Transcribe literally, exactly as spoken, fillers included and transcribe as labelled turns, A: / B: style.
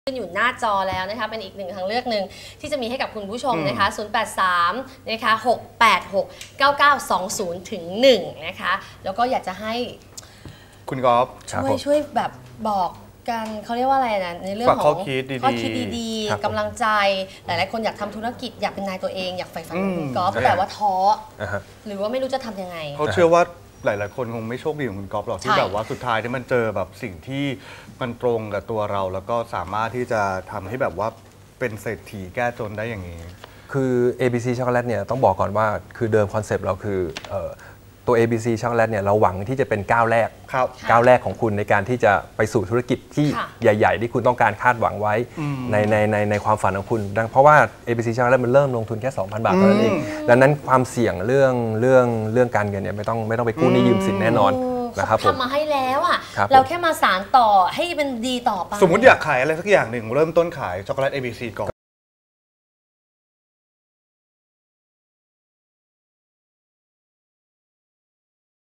A: ขึ้นอยู่หน้าจอแล้วนะคะเป็นอีกหนึ่งทางเลือกหนึ่งที่จะมีให้กับคุณผู้ชมนะคะศูนย์ แปด สามนะคะหก แปด หก เก้า เก้า สอง ศูนย์ ถึง หนึ่งนะคะแล้วก็อยากจะให้
B: คุณก๊อฟ
A: ช่วยช่วยแบบบอกกันเขาเรียกว่าอะไรนะในเรื่องของข้อคิดดีๆกำลังใจหลายๆคนอยากทำธุรกิจอยากเป็นนายตัวเองอยากใฝ่ฝันคุณก๊อฟแต่ว่าท้อหรือว่าไม่รู้จะทำยังไง
B: เขาเชื่อว่าหลายๆคนคงไม่โชคดีของคุณก๊อฟหรอกที่แบบว่าสุดท้ายที่มันเจอแบบสิ่งที่มันตรงกับตัวเราแล้วก็สามารถที่จะทำให้แบบว่าเป็นเศรษฐีแก้จนได้อย่างนี้
C: คือ เอ บี ซี ช็อกโกแลตเนี่ยต้องบอกก่อนว่าคือเดิมคอนเซปต์เราคือตัว เอ บี ซี ช็อกโกแลตเนี่ยเราหวังที่จะเป็นก้าวแรกก้าวแรกของคุณในการที่จะไปสู่ธุรกิจที่ใหญ่ๆที่คุณต้องการคาดหวังไว้ในในในในความฝันของคุณดังเพราะว่า เอ บี ซี ช็อกโกแลตมันเริ่มลงทุนแค่ สองพัน บาทเท่านั้นเองดังนั้นความเสี่ยงเรื่องเรื่องเรื่องการเงินเนี่ยไม่ต้องไม่ต้องไปกู้หนี้ยืมสินแน่นอนนะครับ
A: ทำมาให้แล้วอ่ะเราแค่มาสานต่อให้มันดีต่อไป
B: สมมติอยากขายอะไรสักอย่างหนึ่งเริ่มต้นขายช็อกโกแลต เอ บี ซี ก่อน